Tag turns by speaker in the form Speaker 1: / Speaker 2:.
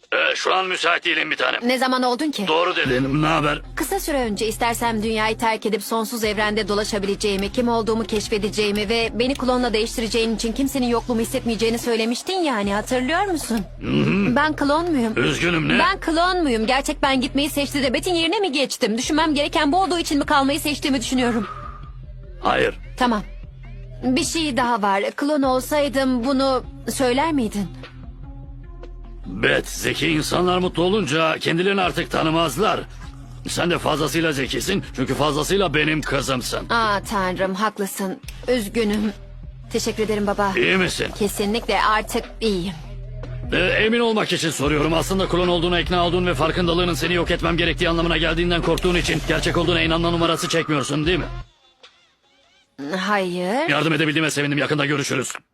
Speaker 1: Şu an müsait değilim bir tanem.
Speaker 2: Ne zaman oldun ki?
Speaker 1: Doğru dedin. Ne haber?
Speaker 2: Kısa süre önce istersem dünyayı terk edip sonsuz evrende dolaşabileceğimi, kim olduğumu keşfedeceğimi ve beni klonla değiştireceğin için kimsenin yokluğumu hissetmeyeceğini söylemiştin yani, hatırlıyor musun? Ben klon muyum?
Speaker 1: Üzgünüm, ne?
Speaker 2: Ben klon muyum? Gerçek ben gitmeyi seçti de Bet'in yerine mi geçtim? Düşünmem gereken bu olduğu için mi kalmayı seçtiğimi düşünüyorum.
Speaker 1: Hayır.
Speaker 2: Tamam. Bir şey daha var. Klon olsaydım bunu söyler miydin?
Speaker 1: Bet, zeki insanlar mutlu olunca kendilerini artık tanımazlar. Sen de fazlasıyla zekisin çünkü fazlasıyla benim kızımsın.
Speaker 2: Aa tanrım, haklısın. Üzgünüm. Teşekkür ederim baba.
Speaker 1: İyi misin?
Speaker 2: Kesinlikle artık iyiyim.
Speaker 1: Emin olmak için soruyorum. Aslında klon olduğuna ikna olduğun ve farkındalığının seni yok etmem gerektiği anlamına geldiğinden korktuğun için gerçek olduğuna inanma numarası çekmiyorsun değil mi?
Speaker 2: Hayır.
Speaker 1: Yardım edebildiğime sevindim. Yakında görüşürüz.